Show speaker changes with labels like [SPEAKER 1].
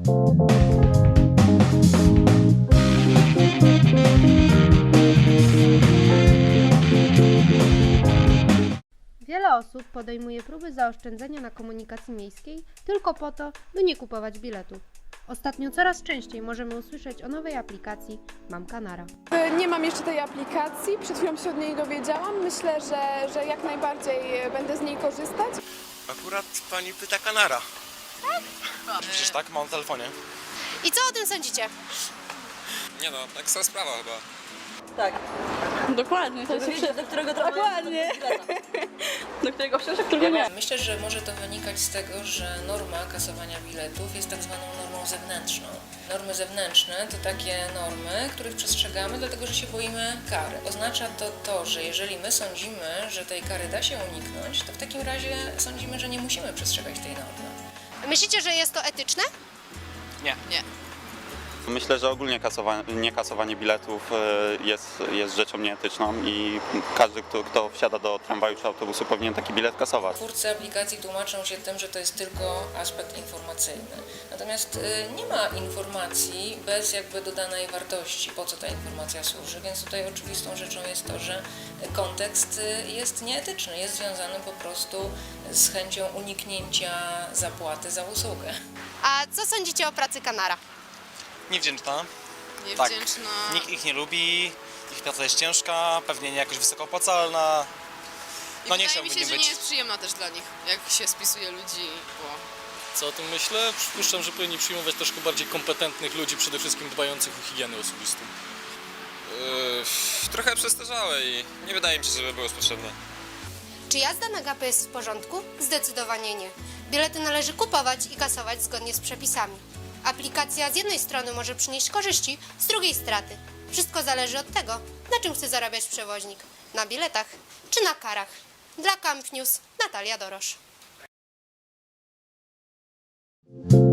[SPEAKER 1] Wiele osób podejmuje próby zaoszczędzenia na komunikacji miejskiej tylko po to, by nie kupować biletu. Ostatnio coraz częściej możemy usłyszeć o nowej aplikacji Mam Kanara.
[SPEAKER 2] Nie mam jeszcze tej aplikacji, przed chwilą się od niej dowiedziałam. Myślę, że jak najbardziej będę z niej korzystać.
[SPEAKER 3] Akurat pani pyta Kanara. Tak? Przecież tak, mam w telefonie.
[SPEAKER 1] I co o tym sądzicie?
[SPEAKER 3] Nie no, tak sama sprawa chyba.
[SPEAKER 4] Tak.
[SPEAKER 5] Dokładnie. To jest
[SPEAKER 4] Do którego
[SPEAKER 5] Dokładnie. Do którego wsiąść, a którego nie.
[SPEAKER 6] Myślę, że może to wynikać z tego, że norma kasowania biletów jest tak zwaną normą zewnętrzną. Normy zewnętrzne to takie normy, których przestrzegamy, dlatego że się boimy kary. Oznacza to, że jeżeli my sądzimy, że tej kary da się uniknąć, to w takim razie sądzimy, że nie musimy przestrzegać tej normy.
[SPEAKER 1] Myślicie, że jest to etyczne?
[SPEAKER 3] Nie.
[SPEAKER 7] Myślę, że ogólnie niekasowanie biletów jest rzeczą nieetyczną i każdy, kto wsiada do tramwaju czy autobusu, powinien taki bilet kasować.
[SPEAKER 6] Twórcy aplikacji tłumaczą się tym, że to jest tylko aspekt informacyjny. Natomiast nie ma informacji bez jakby dodanej wartości, po co ta informacja służy, więc tutaj oczywistą rzeczą jest to, że kontekst jest nieetyczny, jest związany po prostu z chęcią uniknięcia zapłaty za usługę.
[SPEAKER 1] A co sądzicie o pracy Kanara?
[SPEAKER 3] Niewdzięczna.
[SPEAKER 5] Niewdzięczna.
[SPEAKER 3] Tak. Nikt ich nie lubi, ich praca jest ciężka, pewnie nie jakoś wysoko opłacalna. No nie
[SPEAKER 5] Wydaje mi
[SPEAKER 3] chciałbym
[SPEAKER 5] się,
[SPEAKER 3] nie
[SPEAKER 5] że
[SPEAKER 3] być.
[SPEAKER 5] nie jest przyjemna też dla nich, jak się spisuje ludzi, bo...
[SPEAKER 8] Co o tym myślę? Przypuszczam, że powinni przyjmować troszkę bardziej kompetentnych ludzi, przede wszystkim dbających o higienę osobistą.
[SPEAKER 3] Trochę przestarzałe i nie wydaje mi się, żeby było potrzebne.
[SPEAKER 1] Czy jazda na gapę jest w porządku? Zdecydowanie nie. Bilety należy kupować i kasować zgodnie z przepisami. Aplikacja z jednej strony może przynieść korzyści, z drugiej straty. Wszystko zależy od tego, na czym chce zarabiać przewoźnik. Na biletach czy na karach. Dla Camp News Natalia Dorosz.